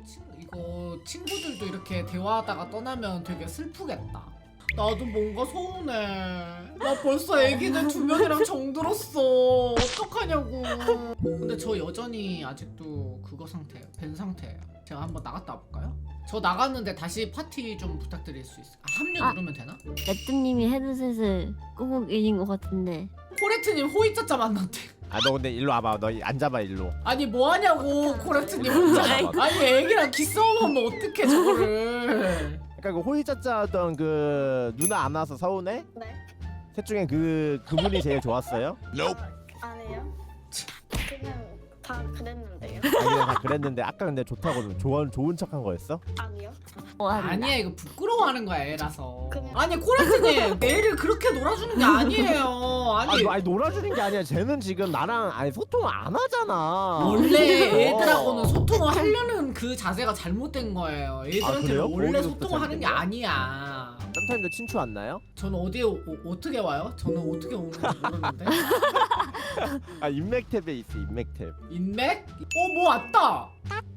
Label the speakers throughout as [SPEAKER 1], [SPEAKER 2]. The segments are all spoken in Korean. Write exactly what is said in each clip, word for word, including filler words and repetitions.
[SPEAKER 1] 친, 이거 친구들도 이렇게 대화하다가 떠나면 되게 슬프겠다. 나도 뭔가 서운해. 나 벌써 애기들 두 명이랑 정들었어. 어떡하냐고. 근데 저 여전히 아직도 그거 상태예요. 벤 상태예요. 제가 한번 나갔다 와볼까요? 저 나갔는데 다시 파티 좀 부탁드릴 수 있어요? 아, 합류
[SPEAKER 2] 아.
[SPEAKER 1] 누르면 되나?
[SPEAKER 2] 레트님이 헤드셋을 끄고 계신 것 같은데.
[SPEAKER 1] 코레트님 호이짜짜 만났대.
[SPEAKER 3] 아 너 근데 일로 와봐. 너 앉아봐 일로.
[SPEAKER 1] 아니 뭐하냐고 코레트님 혼자. 아니 애기랑 기싸움하면 어떡해 저거를.
[SPEAKER 3] 그러니까 그 호의짜짜 하던 그 누나 안 와서 서운해?
[SPEAKER 4] 네.
[SPEAKER 3] 셋 중에 그 그분이 제일 좋았어요?
[SPEAKER 4] 아니요. 그냥 다 그랬는데요.
[SPEAKER 3] 아니 그냥 다 그랬는데 아까 근데 좋다고 좋은 좋은 척한 거였어?
[SPEAKER 4] 아니요.
[SPEAKER 2] 뭐 한다.
[SPEAKER 1] 아니야 이거 부끄러워하는 거야 애라서.
[SPEAKER 4] 그냥-
[SPEAKER 1] 아니 코레트님 애를 그렇게 놀아주는 게 아니에요.
[SPEAKER 3] 아니,
[SPEAKER 1] 아니
[SPEAKER 3] 아니 놀아주는 게 아니야. 쟤는 지금 나랑 아니 소통을 안 하잖아.
[SPEAKER 1] 원래
[SPEAKER 3] 어.
[SPEAKER 1] 애들하고는 소통을 하려는 그 자세가 잘못된 거예요.
[SPEAKER 3] 아,
[SPEAKER 1] 애들한테는
[SPEAKER 3] 그래요?
[SPEAKER 1] 원래
[SPEAKER 3] 거기서부터
[SPEAKER 1] 소통을 하는 게
[SPEAKER 3] 잘못된 거야?
[SPEAKER 1] 아니야.
[SPEAKER 3] 썸타임도 친추 안 나요?
[SPEAKER 1] 저는 어디에 오, 어떻게 와요? 저는 어떻게 오는지 모르는데.
[SPEAKER 3] 아 인맥 탭에 있어 인맥 탭.
[SPEAKER 1] 인맥? 어 뭐 왔다.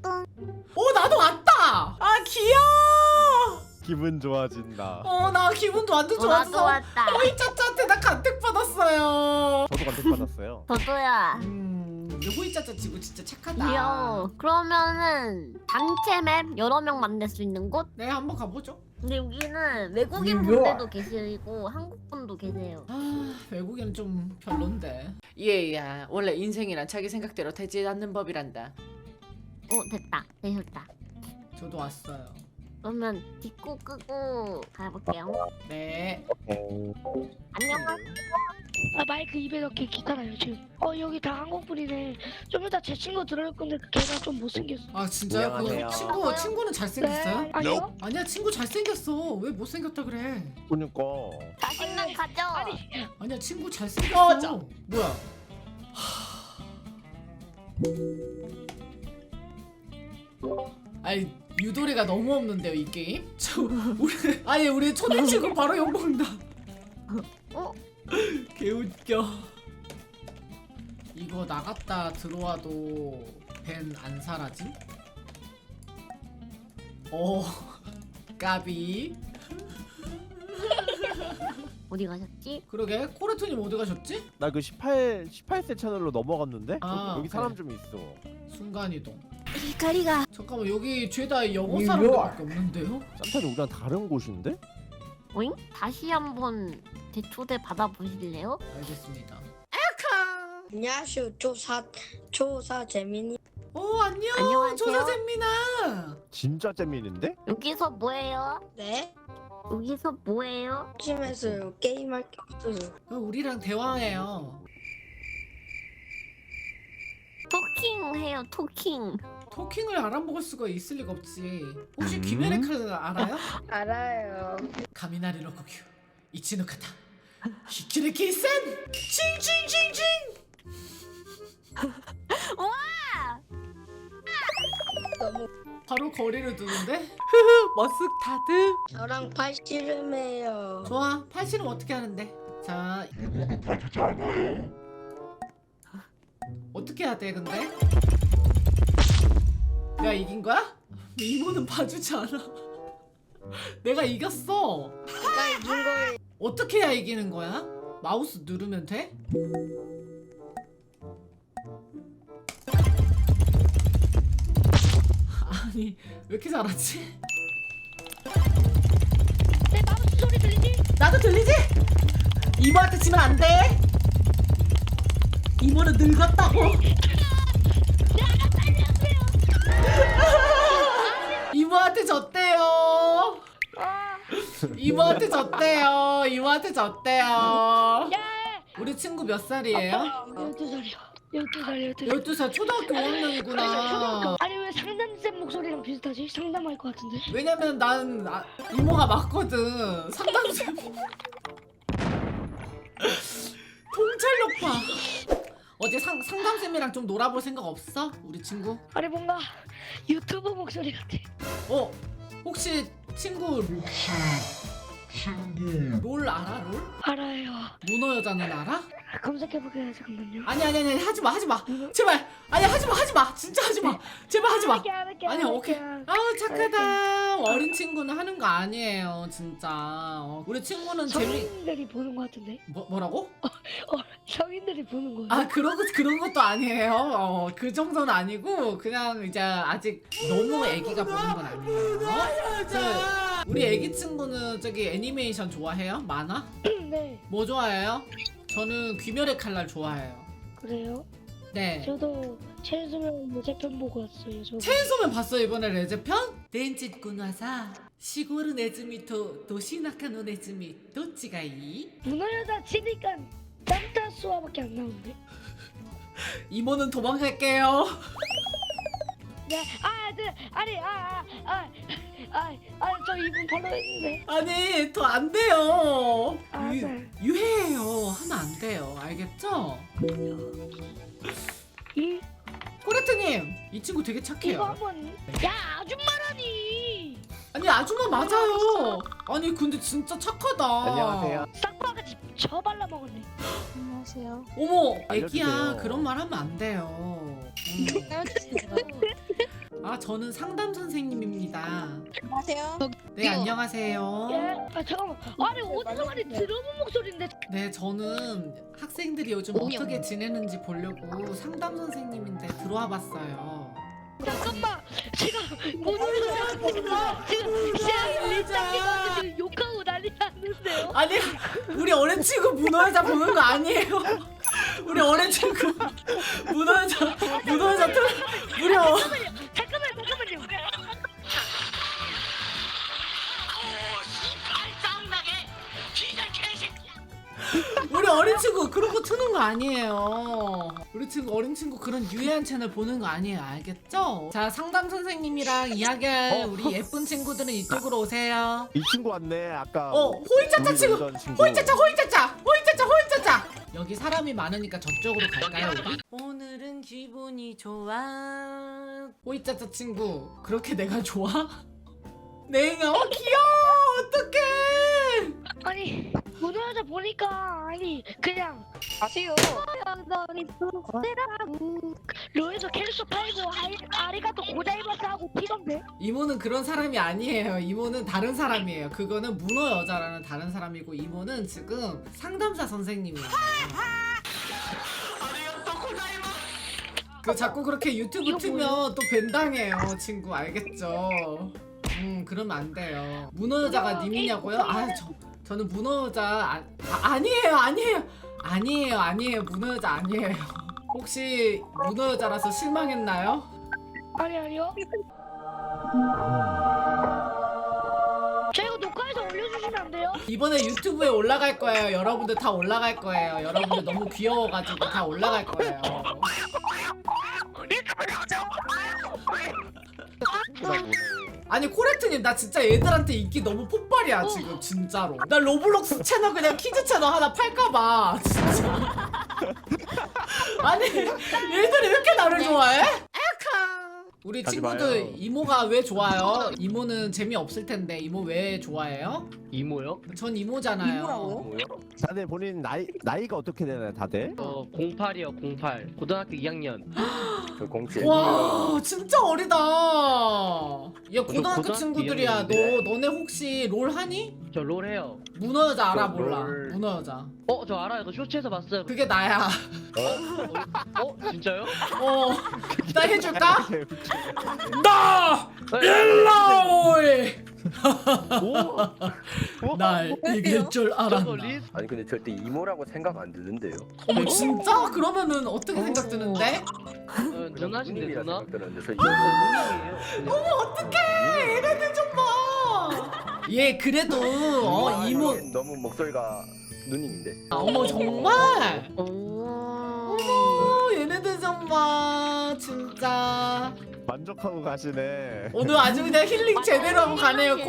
[SPEAKER 1] 어 나도 왔다. 아 귀여워.
[SPEAKER 3] 기분 좋아진다.
[SPEAKER 1] 어 나 기분도 완전
[SPEAKER 2] 어, 나도
[SPEAKER 1] 좋았어.
[SPEAKER 2] 왔다.
[SPEAKER 1] 어이 짜짜한테 나 간택 받았어요.
[SPEAKER 3] 저도 간택 받았어요.
[SPEAKER 2] 저도야.
[SPEAKER 1] 음, 호이짜짜 지구 진짜 착하다.
[SPEAKER 2] 귀여워. 그러면은 단체 맵 여러 명 만날 수 있는 곳?
[SPEAKER 1] 네, 한번 가보죠.
[SPEAKER 2] 근데 여기는 외국인
[SPEAKER 1] 뉴욕.
[SPEAKER 2] 분들도 계시고 한국 분도 계세요.
[SPEAKER 1] 아, 외국인은 좀 별론데.
[SPEAKER 5] 얘야 원래 인생이란 자기 생각대로 되지 않는 법이란다.
[SPEAKER 2] 오 됐다. 되셨다.
[SPEAKER 1] 저도 왔어요.
[SPEAKER 2] 그러면 딛고 끄고 가볼게요.
[SPEAKER 1] 네.
[SPEAKER 2] 안녕하세요.
[SPEAKER 6] 아 마이크 입에 넣기 귀찮아요 지금. 어 여기 다 한국 분이네. 좀 이따 제 친구 들어올 건데 걔가 좀 못생겼어.
[SPEAKER 1] 아 진짜요? 그
[SPEAKER 3] 안녕하세요.
[SPEAKER 1] 친구 친구는 잘생겼어요?
[SPEAKER 6] 네. 아니요?
[SPEAKER 1] 아니야 친구 잘생겼어. 왜 못생겼다 그래?
[SPEAKER 3] 그러니까
[SPEAKER 2] 자신감 가져.
[SPEAKER 6] 아니
[SPEAKER 1] 아니야 친구 잘생겼어.
[SPEAKER 5] 꺼져.
[SPEAKER 1] 뭐야? 아니 유도리가 너무 없는데요 이 게임? 저 우리 아니 우리 초대 친구 바로 욕 먹는다.
[SPEAKER 2] 어?
[SPEAKER 1] 개웃겨. 이거 나갔다 들어와도 벤 안 사라지? 어 까비.
[SPEAKER 2] 어디 가셨지?
[SPEAKER 1] 그러게 코레트님 어디 가셨지?
[SPEAKER 3] 나 그 십팔 십팔 세 채널로 넘어갔는데
[SPEAKER 1] 아,
[SPEAKER 3] 여기
[SPEAKER 1] 그래.
[SPEAKER 3] 사람 좀 있어.
[SPEAKER 1] 순간이동.
[SPEAKER 2] 히카리가.
[SPEAKER 1] 잠깐만 여기 죄다 영어 사람들밖에 없는데요?
[SPEAKER 3] 썸타임 우리랑 다른 곳인데?
[SPEAKER 2] 오잉? 다시 한번 대초대 받아보실래요?
[SPEAKER 1] 알겠습니다.
[SPEAKER 4] 안녕하세요. 조사 조사 재민이.
[SPEAKER 1] 어 안녕.
[SPEAKER 2] 안녕하세요.
[SPEAKER 1] 조사잼미나.
[SPEAKER 3] 진짜 재민인데?
[SPEAKER 2] 여기서 뭐해요?
[SPEAKER 4] 네.
[SPEAKER 2] 여기서 뭐해요?
[SPEAKER 4] 심해서요. 게임할 게 없어요.
[SPEAKER 1] 어, 우리랑 대화해요.
[SPEAKER 2] 토킹 해요 토킹.
[SPEAKER 1] 토킹을 알아먹을 수가 있을 리가 없지. 혹시
[SPEAKER 3] 음?
[SPEAKER 1] 귀메레카를 알아요?
[SPEAKER 4] 알아요.
[SPEAKER 1] 가미나리 로코큐 이치노카타 히키레케이산 칭칭칭칭.
[SPEAKER 2] 와!
[SPEAKER 4] 너무
[SPEAKER 1] 바로 거리를 두는데?
[SPEAKER 5] 머쓱타드.
[SPEAKER 4] 저랑 팔씨름해요.
[SPEAKER 1] 좋아. 팔씨름 어떻게 하는데? 자 어떻게 해야 돼 근데? 내가 이긴 거야? 이모는 봐주지 않아. 내가 이겼어.
[SPEAKER 4] 내가 이긴 거예요.
[SPEAKER 1] 어떻게 해야 이기는 거야? 마우스 누르면 돼? 아니 왜 이렇게 잘하지?
[SPEAKER 6] 내 마우스 소리 들리니?
[SPEAKER 1] 나도 들리지? 이모한테 지면 안 돼. 이모는 늙었다고. 이모한테 졌대요. 이모한테 졌대요. 이모한테 졌대요.
[SPEAKER 6] 야!
[SPEAKER 1] 우리 친구 몇 살이에요?
[SPEAKER 6] 열두 살이요. 열두 살 열두 살.
[SPEAKER 1] 열두 살 초등학교 오 학년이구나.
[SPEAKER 6] 아니 왜 상담쌤 목소리랑 비슷하지? 상담할 것 같은데.
[SPEAKER 1] 왜냐면 난 아, 이모가 맞거든. 상담쌤. 통찰력 봐. 어제 상, 상담쌤이랑 좀 놀아볼 생각 없어? 우리 친구?
[SPEAKER 6] 아니 뭔가 유튜브 목소리 같아.
[SPEAKER 1] 어? 혹시 친구 롤 알아 롤?
[SPEAKER 6] 알아요.
[SPEAKER 1] 문어 여자는 알아?
[SPEAKER 6] 검색해볼게요. 잠깐만요.
[SPEAKER 1] 아니 아니 아니 하지마 하지마 제발 아니 하지마 하지마 진짜 하지마 제발 하지마
[SPEAKER 6] 알게, 알게,
[SPEAKER 1] 아니
[SPEAKER 6] 알게.
[SPEAKER 1] 오케이 아 착하다 어린 친구는 하는 거 아니에요 진짜 어, 우리 친구는 재미
[SPEAKER 6] 성인들이 보는 것 같은데?
[SPEAKER 1] 뭐, 뭐라고?
[SPEAKER 6] 어, 성인들이 보는 거예요?
[SPEAKER 1] 아 그런 거 그런 것도 아니에요 어, 그 정도는 아니고 그냥 이제 아직 너무 애기가 보는 건 아니에요 저, 우리 애기 친구는 저기 애니메이션 좋아해요? 만화?
[SPEAKER 6] 네.
[SPEAKER 1] 뭐 좋아해요? 저는 귀멸의 칼날 좋아해요
[SPEAKER 6] 그래요?
[SPEAKER 1] 네
[SPEAKER 6] 저도 체인소맨 모제편 보고 왔어요. 저도.
[SPEAKER 1] 체인소맨 봤어 이번에 레제편? 덴짓구나사 시골은 네즈미と都市中のネズミどっちがいい?
[SPEAKER 6] 문어여자 치니까 땀따수와밖에 안 나오는데?
[SPEAKER 1] 이모는 도망갈게요
[SPEAKER 6] 네, 아, 네, 아니, 아, 아, 아, 아, 아, 저 이분 팔로우 했는데.
[SPEAKER 1] 아니 더 안 돼요
[SPEAKER 6] 아,
[SPEAKER 1] 유,
[SPEAKER 6] 네.
[SPEAKER 1] 유해해요 하면 안 돼요 알겠죠?
[SPEAKER 6] 이,
[SPEAKER 1] 코레트님 이 친구 되게
[SPEAKER 6] 이거
[SPEAKER 1] 착해요
[SPEAKER 6] 한번, 야, 아줌마라니!
[SPEAKER 1] 아니 아줌마 맞아요 아니 근데 진짜 착하다
[SPEAKER 3] 안녕하세요.
[SPEAKER 6] 싹바가지 저 발라먹었네.
[SPEAKER 2] 안녕하세요.
[SPEAKER 1] 어머 애기야
[SPEAKER 3] 알려주세요.
[SPEAKER 1] 그런 말 하면 안 돼요 음. 아 저는 상담 선생님입니다
[SPEAKER 4] 안녕하세요.
[SPEAKER 1] 네 안녕하세요
[SPEAKER 6] 예? 아, 잠깐만. 아니, 어디서 많이 들어본 목소리인데.
[SPEAKER 1] 네 저는 학생들이 요즘 어떻게 지내는지 보려고 상담 선생님인데 들어와 봤어요
[SPEAKER 6] 잠깐만. 지금 문어여자 지금, 지금, 지금 리짱님한테 지금 욕하고 난리 났는데요?
[SPEAKER 1] 아니 우리 어린 친구 문어여자 보는 거 아니에요 우리 어린 친구 문어여자 문어여자 틀 무려
[SPEAKER 6] 잠깐만요. 잠깐만, 잠깐만요.
[SPEAKER 1] 우리 어린 친구 그런 거 트는 거 아니에요 우리 친구 어린 친구 그런 유해한 채널 보는 거 아니에요 알겠죠? 자 상담 선생님이랑 이야기할
[SPEAKER 3] 어.
[SPEAKER 1] 우리 예쁜 친구들은 이쪽으로 오세요
[SPEAKER 3] 이 친구 왔네. 아까
[SPEAKER 1] 어 호이짜짜
[SPEAKER 3] 우리
[SPEAKER 1] 친구
[SPEAKER 3] 놀던 친구.
[SPEAKER 1] 호이짜짜 호이짜짜 호이짜짜 호이짜짜 여기 사람이 많으니까 저쪽으로 갈까요 우리? 오늘은 기분이 좋아 호이짜짜 친구 그렇게 내가 좋아? 내가 어 귀여워 어떡해
[SPEAKER 6] 아니, 문어여자 보니까, 아니, 그냥,
[SPEAKER 4] 아시오.
[SPEAKER 6] 로에서 캘수 팔고, 아리, 아리가또 고자이마스 하고 피던데?
[SPEAKER 1] 이모는 그런 사람이 아니에요 이모는 다른 사람이에요 그거는 문어 여자라는 다른 사람이고 이모는 지금 상담사 선생님이에요 그 자꾸 그렇게 유튜브
[SPEAKER 6] 이거
[SPEAKER 1] 틀면 또 벤당해요 친구 알겠죠? 음 그러면 안 돼요 문어 여자가
[SPEAKER 6] 이거
[SPEAKER 1] 님이냐고요?
[SPEAKER 6] 게임
[SPEAKER 1] 아 저, 저는 문어 여자 아, 아, 아니에요 아니에요 아니에요 아니에요 문어 여자 아니에요 혹시 문어 여자라서 실망했나요?
[SPEAKER 6] 아니, 아니요. 저 이거 녹화해서 올려주시면 안 돼요?
[SPEAKER 1] 이번에 유튜브에 올라갈 거예요. 여러분들 다 올라갈 거예요. 여러분들 너무 귀여워가지고 다 올라갈 거예요. 아니 코레트님 나 진짜 얘들한테 인기 너무 폭발이야 지금 진짜로. 나 로블록스 채널 그냥 키즈 채널 하나 팔까봐 진짜. 아니 얘들이 왜 이렇게 나를 좋아해? 우리
[SPEAKER 3] 하지
[SPEAKER 1] 친구들
[SPEAKER 3] 마요.
[SPEAKER 1] 이모가 왜 좋아요? 이모는 재미없을 텐데 이모 왜 좋아해요?
[SPEAKER 7] 이모요?
[SPEAKER 1] 전 이모잖아요.
[SPEAKER 7] 뭐요?
[SPEAKER 3] 다들 본인 나이 나이가 어떻게 되나요, 다들?
[SPEAKER 7] 어 공팔이요 공팔 고등학교 이 학년.
[SPEAKER 8] 저 공칠.
[SPEAKER 1] 와 진짜 어리다. 야 고등학교
[SPEAKER 7] 고등학교
[SPEAKER 1] 친구들이야. 너
[SPEAKER 7] 이학년인데.
[SPEAKER 1] 너네 혹시 롤 하니?
[SPEAKER 7] 저 롤 해요.
[SPEAKER 1] 문어 여자 알아
[SPEAKER 8] 저
[SPEAKER 1] 몰라?
[SPEAKER 8] 롤.
[SPEAKER 1] 문어 여자.
[SPEAKER 7] 어 저 알아요. 그 쇼츠에서 봤어요.
[SPEAKER 1] 그게 나야.
[SPEAKER 7] 어 진짜요?
[SPEAKER 1] 어. 나 해줄까?
[SPEAKER 3] 네.
[SPEAKER 1] 나
[SPEAKER 7] 네.
[SPEAKER 1] 일라오이.
[SPEAKER 7] 오.
[SPEAKER 1] 날 이길 줄
[SPEAKER 7] 저거
[SPEAKER 1] 알았나?
[SPEAKER 7] 리.
[SPEAKER 8] 아니 근데 절대 이모라고 생각 안 드는데요.
[SPEAKER 1] 어머 진짜? 그러면은 어떻게 생각 드는데?
[SPEAKER 7] 어, 누나신데
[SPEAKER 8] 누님이라
[SPEAKER 7] 누나?
[SPEAKER 8] 생각 드는데 저
[SPEAKER 7] 저
[SPEAKER 8] 이모.
[SPEAKER 7] 누님이에요.
[SPEAKER 1] 어머 어떡해 얘네들 좀 봐. 얘 그래도 어 이모.
[SPEAKER 8] 너무 목소리가 누님인데.
[SPEAKER 1] 아, 어머 정말.
[SPEAKER 2] 오.
[SPEAKER 1] 어머 얘네들 좀 봐 진짜.
[SPEAKER 3] 만족하고 가시네.
[SPEAKER 1] 오늘 아주 그냥 힐링 제대로 하고 가네요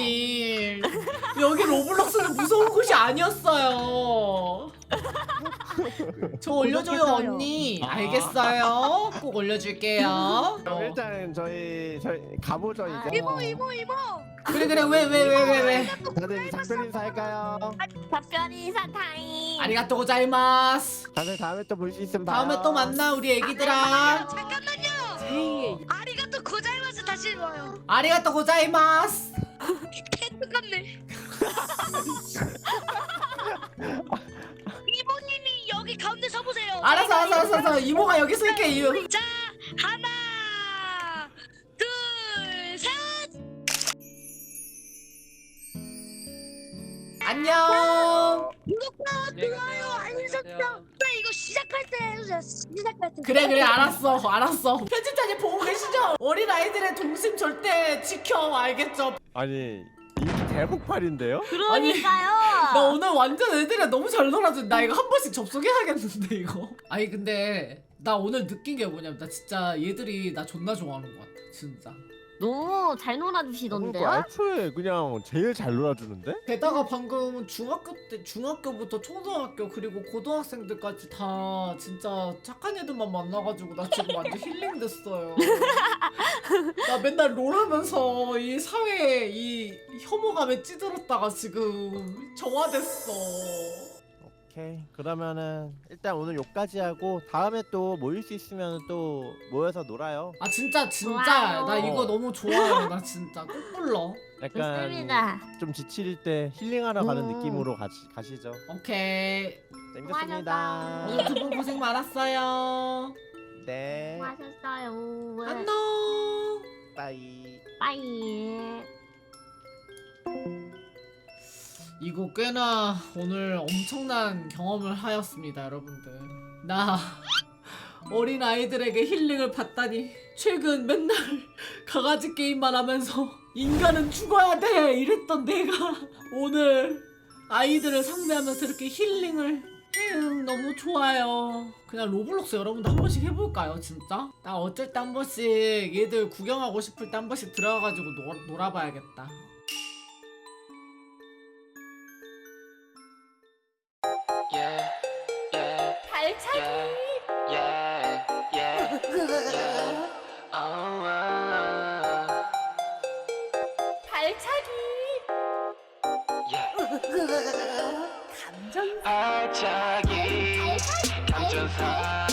[SPEAKER 1] 코레트님. 여기 로블록스는 무서운 곳이 아니었어요. 저 올려줘요
[SPEAKER 2] 구독해줘요.
[SPEAKER 1] 언니. 알겠어요. 꼭 올려줄게요.
[SPEAKER 3] 그럼 일단 저희 저희 가보죠
[SPEAKER 2] 아,
[SPEAKER 3] 이제.
[SPEAKER 4] 이모 이모 이모.
[SPEAKER 1] 그래 그래 왜 왜 왜 왜 왜?
[SPEAKER 3] 다들 이제 작별 인사 할까요?
[SPEAKER 2] 답변이 인사 타임.
[SPEAKER 1] 아리가또 고자이마스.
[SPEAKER 3] 다들 다음에 또 볼 수 있으면 봐요.
[SPEAKER 1] 다음에 또 만나 우리 애기들아.
[SPEAKER 6] 잠깐만요.
[SPEAKER 5] 제이의
[SPEAKER 6] 아리가또 고자이마스 다시 와요.
[SPEAKER 1] 아리가또 고자이마스.
[SPEAKER 6] 똑같네. 이모님이 여기 가운데 서보세요.
[SPEAKER 1] 알았어 알았어 알았어 알았어. 이모가 여기 쓸게 이유.
[SPEAKER 6] 자, 하나, 둘, 셋.
[SPEAKER 1] 안녕.
[SPEAKER 6] 구독과 좋아요, 알림 설정. 나 이거 시작할 때 해주세요. 시작할 때.
[SPEAKER 1] 그래 그래 알았어 알았어. 편집자님 보고 계시죠? 어린 아이들의 동심 절대 지켜 알겠죠?
[SPEAKER 3] 아니 인기 대폭발인데요?
[SPEAKER 2] 그러니까요.
[SPEAKER 1] 나 오늘 완전 애들이랑 너무 잘 놀아준. 나 이거 한 번씩 접속해야겠는데 이거. 아니 근데 나 오늘 느낀 게 뭐냐면 나 진짜 얘들이 나 존나 좋아하는 것 같아 진짜.
[SPEAKER 2] 너무 잘 놀아주시던데요?
[SPEAKER 3] 그러니까 애초에 그냥 제일 잘 놀아주는데?
[SPEAKER 1] 게다가 방금 중학교 때 중학교부터 초등학교 그리고 고등학생들까지 다 진짜 착한 애들만 만나가지고 나 지금 완전 힐링 됐어요. 나 맨날 롤하면서 이 사회에 이 혐오감에 찌들었다가 지금 정화됐어.
[SPEAKER 3] 오케이 그러면은 일단 오늘 여기까지 하고 다음에 또 모일 수 있으면 또 모여서 놀아요.
[SPEAKER 1] 아 진짜 진짜
[SPEAKER 2] 좋아요.
[SPEAKER 1] 나 이거
[SPEAKER 3] 어.
[SPEAKER 1] 너무 좋아요. 나 진짜 꼭 불러.
[SPEAKER 3] 약간
[SPEAKER 2] 좋습니다.
[SPEAKER 3] 좀 지칠 때 힐링하러 가는
[SPEAKER 1] 음.
[SPEAKER 3] 느낌으로 가시, 가시죠.
[SPEAKER 1] 오케이.
[SPEAKER 3] 재밌었습니다.
[SPEAKER 1] 오늘 두 분 고생 많았어요.
[SPEAKER 3] 네.
[SPEAKER 2] 수고하셨어요.
[SPEAKER 1] 안녕.
[SPEAKER 3] 빠이.
[SPEAKER 2] 빠이.
[SPEAKER 1] 이거 꽤나 오늘 엄청난 경험을 하였습니다, 여러분들. 나 어린 아이들에게 힐링을 받다니 최근 맨날 강아지 게임만 하면서 인간은 죽어야 돼 이랬던 내가 오늘 아이들을 상대하면서 이렇게 힐링을 에휴, 너무 좋아요. 그냥 로블록스 여러분도 한 번씩 해볼까요, 진짜? 나 어쩔 때 한 번씩 얘들 구경하고 싶을 때 한 번씩 들어가가지고 놀, 놀아봐야겠다.
[SPEAKER 9] Yeah, yeah,
[SPEAKER 2] 발차기.
[SPEAKER 9] yeah, yeah, yeah, yeah. Oh, uh,
[SPEAKER 2] 발차기.
[SPEAKER 9] yeah.
[SPEAKER 2] 감정.
[SPEAKER 9] 발차기, 감전사.